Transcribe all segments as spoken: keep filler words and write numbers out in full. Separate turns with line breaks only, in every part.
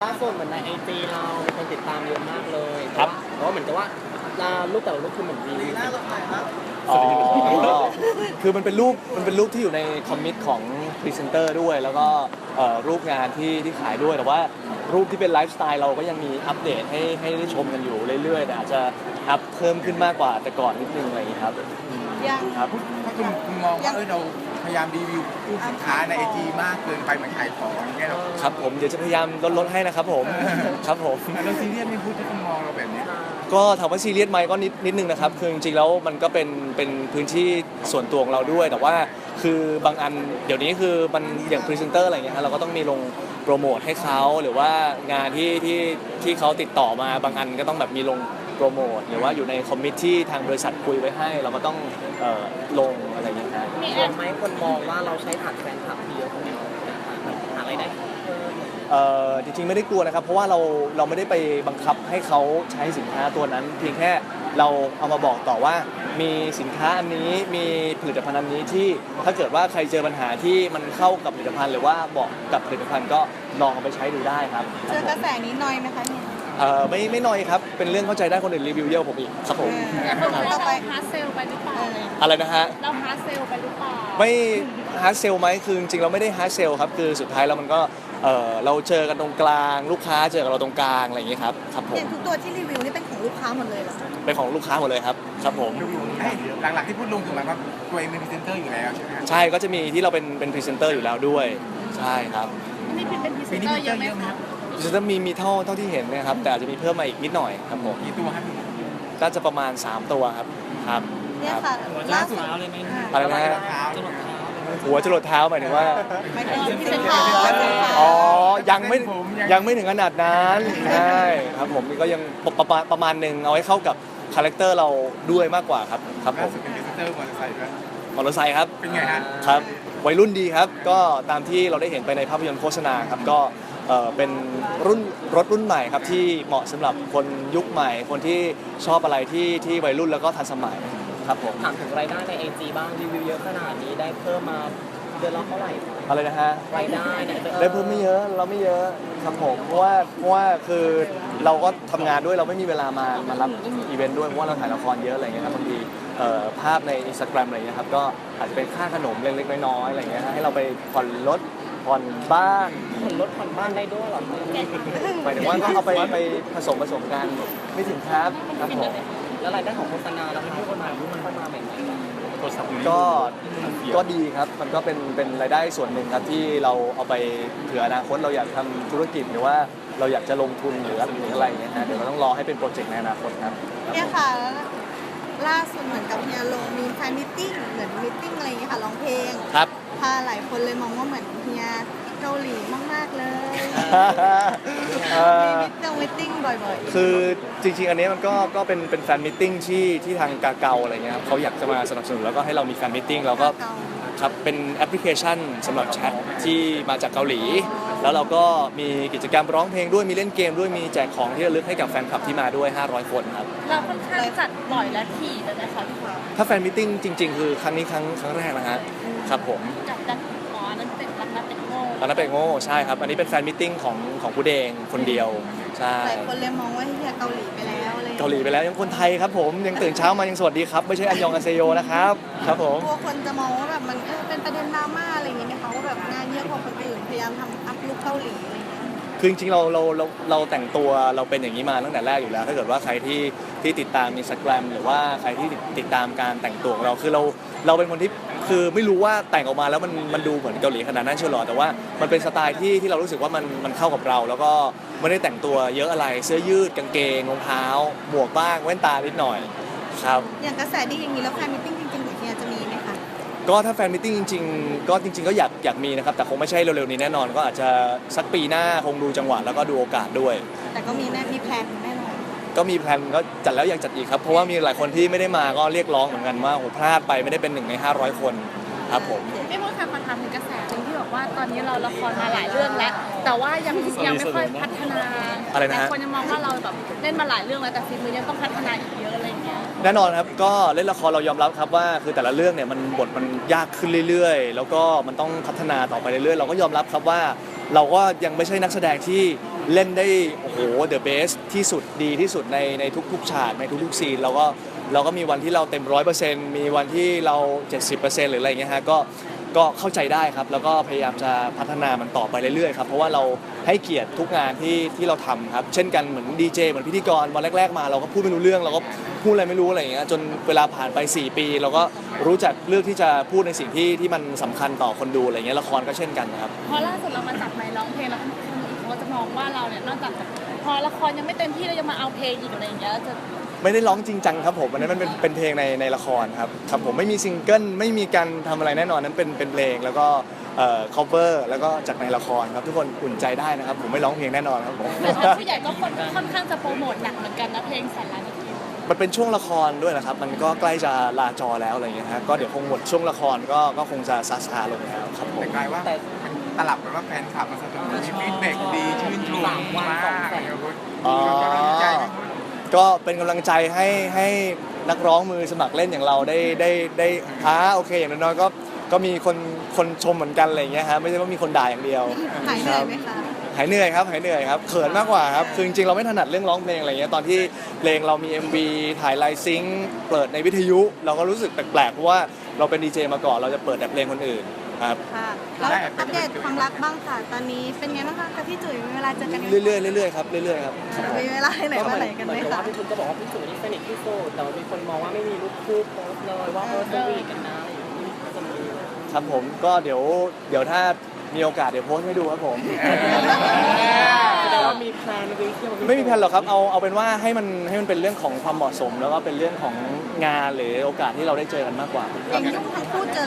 ล่าสุดเหมือนในไอจีเรามีคนติดตามเยอะมากเลย
ครับ
เพราะว่าเหมือนกับว่ารูปแต่ละรูปคือเหมือนมีหน้าเราถ่ายครับ
อ๋อคือมันเป็นรูปมันเป็นรูปที่อยู่ในคอมมิตของพรีเซนเตอร์ด้วย แล้วก็เอ่อรูปงานที่ที่ขายด้วย แต่ว่ารูปที่เป็นไลฟ์สไตล์เราก็ยังมีอัปเดตให้ให้ได้ชมกันอยู่เรื่อยๆแต่อาจจะอัพเพิ่มขึ้นมากกว่าแต่ก่อนนิดนึงอะไรอย่างนี้ครับ
ยัง
ครับ
ถ้าคุณคุณมองว่าเออเราพยายามรีวิวรูปสินค้าในไอจีมากเกินไปเหมือนขายของอย่างเงี้ยเรา
ครับผมเดี๋ยวจะพยายามลดลดให้นะครับผม ครับผม
เราซีเรียสไม่พูดที่คุณมองเราแบบนี้
ก็ถามว่าซีเรียสไหมก็นิดนิดนึงนะครับคือจริงๆแล้วมันก็เป็นเป็นพื้นที่ส่วนตัวของเราด้วย แต่ว่าคือบางอันเดี๋ยวนี้คือมันอย่างพรีเซนเตอร์อะไรเงี้ยฮะเราก็ต้องมีลงโปรโมทให้เขาหรือว่างานที่ที่ที่เขาติดต่อมาบางอันก็ต้องแบบมีลงโปรโมทหรือว่าอยู่ในคอมมิตที่ทางบริษัทคุยไว้ให้ เราก็ต้องเอ่อลงอะไรอย่างเงี้ยฮะ
มีแอบไหมคนมองว่าเราใช้ฐานแฟนคลับเยอะคนเดียวแบบหาอะไรายได้เพิ่ม
เอ่อจริงๆไม่ได้กลัวนะครับเพราะว่าเราเราไม่ได้ไปบังคับให้เขาใช้สินค้าตัวนั้น เพียงแค่เราเอามาบอกต่อว่ามีสินค้าอันนี้มีผลิตภัณฑ์อันนี้ที่ถ้าเกิดว่าใครเจอปัญหาที่มันเข้ากับผลิตภัณฑ์หรือว่าบอกกับผลิตภัณฑ์ก็ลองเอาไปใช้ดูได้ครับ
เจอกระแสนี้น้อยไหมคะเนี่ย
เอ่อไม่ไม่น้อยครับเป็นเรื่องเข้าใจได้คนอื่นรีวิวเยอะกว่าผมอีกครับผม
คนต่อไป
ฮาร์ดเซลไปหรือเปล่า
อะไรนะฮะ
เราฮาร์ดเซลไปหรือเปล่า
ไม่ฮาร์ดเซลไหมคือจริงๆเราไม่ได้ฮาร์ดเซลครับคือสุดท้ายแล้วมันก็เอ่อเราเจอกันตรงกลางลูกค้าเจอกับเราตรงกลางอะไรอย่างเงี้ยครับครับผ
อ
ม
ย่างทุกตัวที่รีวิวนี่เป็นของลูกค้าหมดเลยเหรอ
เป็นของลูกค้าหมดเลยครับครับผม
เอ้ยหลักๆที่พูดลงคือหมายความว่าตัวเองเป็นพรีเซนเตอร์อยู่แล้วใช่ไหมครับ
ใช่ก็จะมีที่เราเป็นเป็นพรีเซนเตอร์อยู่แล้วด้วยใช่ครับ
นี่เป็นเป็นพรีเซนเตอร์เยอะไหมคะ
พรีเซนเตอร์มีมีเท่าเท่าที่เห็นนะครับแต่อาจจะมีเพิ่มมาอีกนิดหน่อยครับผม
กี่ตัวครับ
น่าจะประมาณสามตัวครับครับ
เนี่ย
ครับ
ค่ะล่าสุด
อะไรนะฮะหัวจรดเท้าหมายถึงว่า
หมายถึงพรีเซนเตอร์
อ๋อยังไม่ยังไม่ถึงขนาดนั้นใช่ครับผมนี่ก็ยังประมาณประมาณหนึ่งเอาให้เข้ากับคาแรคเตอร์เราด้วยมากกว่าครับครับผ
ล่าม สุดเป็นพรีเซนเตอร์มอเตอร์ไซค์ด้วย
มอเตอร์ไซค์ครับ
เป็นไงฮะ
ครับวัยรุ่นดีครับก็ตามที่เราได้เห็นไปในภาพยนตร์โฆษณาครับก็เอ่อเป็นรุ่นรถรุ่นใหม่ครับที่เหมาะสำหรับคนยุคใหม่ คนที่ชอบอะไรที่ที่วัยรุ่นแล้วก็ทันสมัยครับผม
ถามถึงรายได้ในไอจีบ้างรีวิวเยอะขนาดนี้ได้เพิ่มมาเดือนละเท่าไหร่
อะไรนะฮะ
รายได้เนี่ย
ได้เพิ่มไม่เยอะเราไม่เยอะครับผมเพราะว่าเพราะว่าคือเราก็ทำงานด้วยเราไม่มีเวลามามารับอีเวนต์ด้วยเพราะว่าเราถ่ายละครเยอะอะไรเงี้ยครับบางทีเอ่อภาพใน Instagram อะไรเงี้ยครับก็อาจจะเป็นค่าขนมเล็กๆน้อยๆอะไรเงี้ยฮะให้เราไปผ่อนรถผ่อนบ้าน
ผ่อนรถผ่อนบ้านได้ด้วยเหรอ
หมายถึงว่าก็เอาไปไปผสมผสมกันไม่ถึงครับครับผม
แล้วรายได้ของโฆษณาราคาโฆษณาที่มันเข้ามาใหม่ๆ
ก็ก็ดีครับมันก็เป็นเป็นรายได้ส่วนหนึ่งครับที่เราเอาไปเผื่ออนาคตเราอยากทำธุรกิจหรือว่าเราอยากจะลงทุนหรือหรืออะไรเงี้ยฮะเดี๋ยวเราต้องรอให้เป็นโปรเจกต์ในอนาคตครับ
เนี่ยค่ะล่าสุดเหมือนกับเฮียลงมีแฟนมิทติ้งเหมือนมิทติ้งอะไรอย่างเงี้ยค่ะร้องเพลง
ครับ
พาหลายคนเลยมองว่าเหมือนเฮียเกาหลีมากๆเลย
เอ่อ
มีมิทติ้งมิทติ้งบ่อยๆ
คือจริงๆ อันนี้มันก็ก็เป็นเป็นแฟนมิทติ้งที่ที่ทางกาเกาอะไรเงี้ยครับเขาอยากจะมาสนับสนุนแล้วก็ให้เรามีแฟนมิทติ้งเราก็ครับเป็นแอปพลิเคชันสำหรับแชทที่มาจากเกาหลี แล้วเราก็มีกิจกรรมร้องเพลงด้วยมีเล่นเกมด้วยมีแจกของที่ระลึกให้กับแฟนคลับที่มาด้วยห้าร้อยคนครับ
เราค่อนข้างจัดบ่อยและถี่เลยนะคะพี่ฟ้า
ถ้าแฟนมิทติ้งจริง ๆ คือครั้งนี้ครั้งครั้งแรกนะฮะครับผม
กับดันหมอนั้นเป็นรักนักเป็นโง่
ตอนนั้นเป็นโง่ใช่ครับอันนี้เป็นแฟนมิทติ้งของของผู้เดงคนเดียวใช่
หลายคนเลยมองว่าเฮียเกาหลีไปแล้วอะไรอย่งงี้ย
เกาหลีไปแล้วยังคนไทยครับผมยังตื่นเช้ามายังสวัสดีครับไม่ใช่อันยองอาเซโยนะครับครับผม
กลัวคนจะมองว่าแบบมันเออเป็นประเด็นดราม่าอะไรอย่างเงี้ยไหมคะว่าแบบงานเยอะกว่าคนอื่นพยายามทำอัพลุคเกาหลีอะไรอย่างเงี้ย
คือจริงๆเราเราเราเราแต่งตัวเราเป็นอย่างนี้มาตั้งแต่แรกอยู่แล้ว ถ้าเกิดว่าใครที่ที่ติดตาม Instagram หรือว่าใครที่ติดตามการแต่งตัวของเราคือเราเราเป็นคนที่คือไม่รู้ว่าแต่งออกมาแล้วมันมันดูเหมือนเกาหลีขนาดนั้นเชียวหรอแต่ว่ามันเป็นสไตล์ที่ที่เรารู้สึกว่ามันมันเข้ากับเรา แล้วก็ไม่ได้แต่งตัวเยอะอะไรเสื้อยืดกางเกงรองเท้าหมวกบ้างแว่นตานิดหน่อยครับ
อย่างกระแสดีอย่างนี้แล้วแฟนมิทติ้งจริงๆของเฮียจะมีไหมคะ
ก็ถ้าแฟนมิทติ้งจริงๆก็จริง ๆ ก็อยากอยากมีนะครับแต่คงไม่ใช่เร็วๆนี้แน่นอนก็อาจจะสักปีหน้าคงดูจังหวะแล้วก็ดูโอกาสด้วย
แต่ก็มีแน่มีแพลนแน่นอน
ก็มีแพลนก็จัดแล้วอยากจัดอีกครับเพราะว่ามีหลายคนที่ไม่ได้มาก็เรียกร้องเหมือนกันว่าโอ้พลาดไปไม่ได้เป็นหนึ่งในห้าร้อยคนครับผม
พี่พูดค่ะขอถามถึงกระแสหนึ่งที่บอกว่าตอนนี้เราละครมาหลายเรื่องแล้ว แต่ว่ายังยังไม่ค่อยพัฒนา
อะไรนะฮะ
แต่คนยังมองว่าเราแบบเล่นมาหลายเรื่องแล้วแต่ฝีมือยังต้องพัฒนาอีกเยอะอะไรอย่างเงี้ย
แน่นอนครับก็เล่นละครเรายอมรับครับว่าคือแต่ละเรื่องเนี่ยมันบทมันยากขึ้นเรื่อยๆ แล้วก็มันต้องพัฒนาต่อไปเรื่อยๆเราก็ยอมรับครับว่าเราก็ยังไม่ใช่นักแสดงที่เล่นได้โอ้โห the best ที่สุดดีที่สุดในในทุกๆฉากในทุกๆซีนเราก็เราก็มีวันที่เราเต็มร้อยเปอร์เซ็นต์มีวันที่เรา เจ็ดสิบเปอร์เซ็นต์ หรืออะไรเงี้ยฮะก็ก็เข้าใจได้ครับแล้วก็พยายามจะพัฒนามันต่อไปเรื่อยๆครับเพราะว่าเราให้เกียรติทุกงานที่ที่เราทำครับเช่นกันเหมือนดีเจเหมือนพิธีกรวันแรกๆมาเราก็พูดไม่รู้เรื่องเราก็พูดอะไรไม่รู้อะไรอย่างเงี้ยจนเวลาผ่านไปสี่ปีเราก็รู้จักเลือกที่จะพูดในสิ่งที่ที่มันสำคัญต่อคนดูอะไรเงี้ยละครก็เช่นกันครับ
พอล่าสุดเรามาจับไมค์ร้องเพลงแล้วคนอื่นเขาจะมองว่าเราเนี่ยนอกจากแบบพอละครยังไม่เต็มที่เรายังมาเอาเพลงอีกอะไรอย่างเงี้ยจะ
ไม่ได้ร้องจริงจังครับผมอันนั้นมันเป็นเป็นเพลงในในละครครับครับผมไม่มีซิงเกิลไม่มีการทำอะไรแน่นอนนั้นเป็นเป็นเพลงแล้วก็เอ่อ cover แล้วก็จากในละครครับทุกคนอุ่นใจได้นะครับผมไม่ร้องเพลงแน่นอนครับผม
แต่ว่าผู้ใหญ่ก็ค่อนค่อนข้างจะโปรโมทหนักเหมือนกันนะเพลงแสนล้านนาที
มันเป็นช่วงละครด้วยนะครับมันก็ใกล้จะลาจอแล้วอะไรอย่างเงี้ยฮะก็เดี๋ยวคงหมดช่วงละครก็ก็คงจะซาซาลงแล้วครับผม
แต่กลายว่ามันตลับกันว่าแฟนคลับมาสนับสนุนฟีดแบ็กดีชื่นชมมากเลยคุณ
อ๋อ
กำลังใจไหมคุณ
ก็เป็นกำลังใจให้ให้นักร้องมือสมัครเล่นอย่างเราได้ได้ได้อ่าโอเคอย่างน้อยๆก็ก็มีคนคนชมเหมือนกันอะไรอย่างเงี้ยฮะไม่ใช่ว่ามีคนด่าอย่างเดียว
หายเหนื่อยไหมคะ
หายเหนื่อยครับหายเหนื่อยครับเขินมากกว่าครับคือจริงๆเราไม่ถนัดเรื่องร้องเพลงอะไรเงี้ยตอนที่เพลงเรามี เอ็ม วี ถ่ายไลฟ์ซิงค์เปิดในวิทยุ เราก็รู้สึกแปลกๆเพราะว่าเราเป็นดีเจมาก่อนเราจะเปิดแต่เพลงคนอื่นครับ
ค่ะแล้วอัปเดตความรักบ้างค่ะ ตอนนี้เป็นไงบ้างคะกับพี่จุ๋ยมีเวลาเจอกันไหม
เรื่อยๆเรื่อยๆครับเรื่อยๆครับ
มีเวลาให้ไหนมาไหนกันไหม
เหมือนกับ
คะ
ว่าพี่คุณก็บอกว่าพี่จุ๋ยนี่สนิทที่สุดแต่ว่ามีคนมองว่าไม่มีรูปคู่โพสต์เลยว่าเออสวีทกันนะอะไรอย่างนี้จะมี
ครับผมก็เดี๋ยวเดี๋ยวถ้ามีโอกาสเดี๋ยวโพสต์ให้ดูครับผม
แสดงว่ามีแพลนไปเที่ยว
ไม่มีแพลนหรอกครับเอาเอาเป็นว่าให้มันให้มันเป็นเรื่องของความเหมาะสม แล้วก็เป็นเรื่องของงานหรือโอกาสที่เราได้เจอกันมากกว่า
อย่างยุ่งทั้งคู่เจอ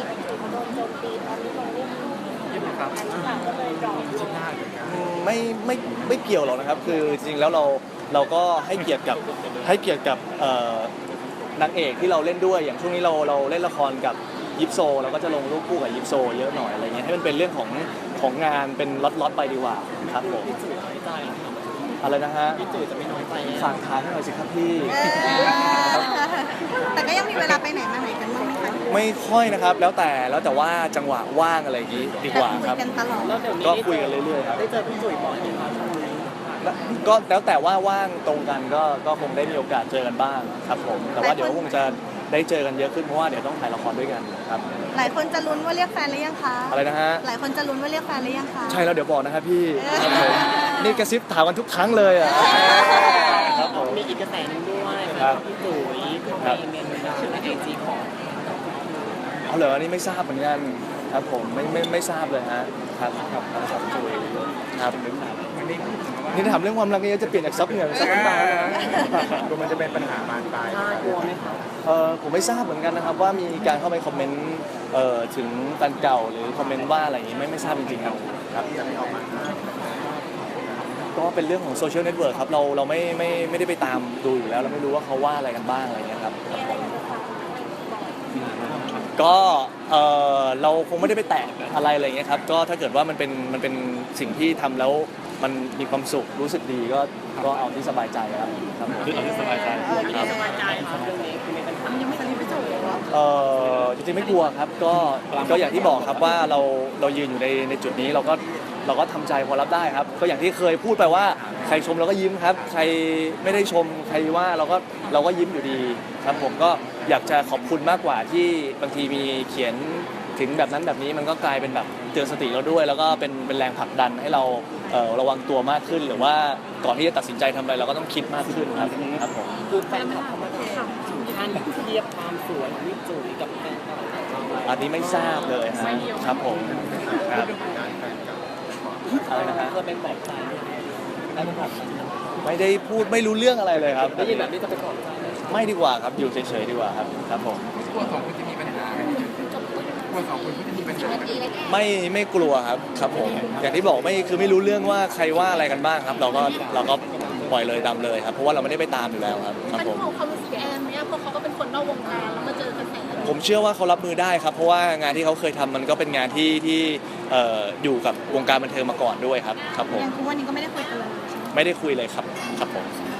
อืมไม่ไม่ไม่เกี่ยวหรอกนะครับ คือจริงๆแล้วเราเราก็ให้เกียรติกับให้เกียรติกับเอ่อนางเอกที่เราเล่นด้วยอย่างช่วงนี้เราเราเล่นละครกับยิปโซเราก็จะลงรูปคู่กับยิปโซเยอะหน่อยอะไรเงี้ยให้มันเป็นเรื่องของของงานเป็นล็อตๆไปดีกว่าครับผม
พี่จุ๋ยน้อยใจ
อะไรนะฮะ
พี่จุ๋ยจะไม่น้อยใจ
ฝากทานให้หน่อยสิครับพี่
เออแต่ก็ยังมีเวลาไปไหนมาไหนกันบ้างไหมคะ
ไม่ค่อยนะครับ แล้วแต่แล้วแต่ว่าจังหวะว่างอะไรอย่างงี้ดีกว่า
คุ
ค
ย
รับ
กันตลอด
แล้วเดี๋ยวนี้
ก็คุยกันเรื่อยๆครับ
ได้เจอพี่จุ๋ยบ่อยไหมครับช่วงนี้
ก็แล้วแต่ว่าว่างตรงกันก็ก็คงได้มีโอกาสเจอกันบ้างครับผมแต่ว่าเดี๋ยวคงจะได้เจอกันเยอะขึ้นเพราะว่าเดี๋ยวต้องถ่ายละครด้วยกันครับ
หลายคนจะลุ้นว่าเรียกแฟนหรือยังคะ
อะไรนะฮะ
หลายคนจะลุ้นว่าเรียกแฟนหรือยังคะ
ใช่แล้วเดี๋ยวบอกนะครับพี่
เออ
ครับผมนี่กระซิบถามกันทุกครั้งเลยอ่ะครับผม
มีอีกกระแสหนึงด้วย
ครับ
พี่จุ๋ย
ครั
ไป
บ
เมนชื่อในไอจีของ
เอาเหรออันนี้ไม่ทราบเหมือนกันครับผมไม่ไม่ไม่ทราบเลยฮะครับครับครับจุยครับ
วันนี้พูดถึงว่า
นี่ถามเรื่องความรักนี่จะเปลี่ยนจากซับเหงื่อเป็นซับน้ำตาแล้วนะ
กลัวมันจะเป็นปัญหาบานปลาย
น่ากลัวไหมครับ
เออผมไม่ทราบเหมือนกันนะครับว่ามีการเข้าไปคอมเมนต์เอ่อถึงแฟนเก่าหรือคอมเมนต์ว่าอะไรอย่างงี้ไม่ไม่ทราบจริงๆครับครับก็เป็นเรื่องของโซเชียลเน็ตเวิร์กครับเราเราไม่ไม่ไม่ได้ไปตามดูอยู่แล้วเราไม่รู้ว่าเขาว่าอะไรกันบ้างอะไรเงี้ยครับก็เออเราคงไม่ได้ไปแตะอะไรอะไรเงี้ยครับก็ถ้าเกิดว่ามันเป็นมันเป็นสิ่งที่ทำแล้วมันมีความสุขรู้สึกดีก็ก็เอาที่สบายใจครับครับผมเอาที่สบายใจ
ไม่สบายใจครับเรื่องนี้คือมีปัญหา
ยังไม่ทันได้จบเลยเหรอ
เอ่อจริงๆไม่กลัวครับก็ก็อย่างที่บอกครับว่าเราเรายืนอยู่ในในจุดนี้เราก็เราก็ทำใจพอรับได้ครับก็อย่างที่เคยพูดไปว่าใครชมเราก็ยิ้มครับ ใครไม่ได้ชมใครว่าเราก็เราก็ยิ้มอยู่ดีครับผมก็อยากจะขอบคุณมากกว่าที่บางทีมีเขียนถึงแบบนั้นแบบนี้มันก็กลายเป็นแบบเตือนสติเราด้วย แล้วก็เป็นเป็นแรงผลักดันให้เราเอ่อระวังตัวมากขึ้น หรือว่าก่อนที่จะตัดสินใจทำอะไรเราก็ต้องคิดมากขึ้นครับครับผม
คือแฟนคลับเขามาถามถึงขั้นเทียบความสวยของพี่จุ๋ยกับแฟนเก่าของเรา
อันนี้ไม่ทราบเลยฮะครับผมครับอะไรนะฮะ
เคยเป็นปลอบใจไหมได้เป็นปลอบใจไหม
ไม่ได้พูดไม่รู้เรื่องอะไรเลยครับ
ได้ยินแบบนี้จะไปปลอบใจไหม
ไม่ดีกว่าครับอยู่เฉยๆดีกว่าครับครับผม
กลัวสองคนจะมีปัญหาไหมกลัวสองคนก็จะมีปัญหาไหม
ไม่ไม่กลัวครับครับผมอย่างที่บอกไม่คือไม่รู้เรื่องว่าใครว่าอะไรกันบ้างครับ เราก็เราก็ปล่อยเลยดำเลยครับเพราะว่าเราไม่ได้ไปตามอยู่แล้วครับครับ
มัน
ผม
ของความรู้สึกแอนไหมอะเพราะเขาก็เป็นคนนอกวงการแล้วมาเจอกระแส
ผมเชื่อว่าเขารับมือได้ครับ เพราะว่างานที่เขาเคยทำมันก็เป็นงานที่ที่เอ่ออยู่กับวงการบันเทิงมาก่อนด้วยครับครับผม
ยังทุกวันนี้ก็ไม่ได้คุยกันเลยใช่ไหม
ไม่ได้คุยเลยครับครับผม
ค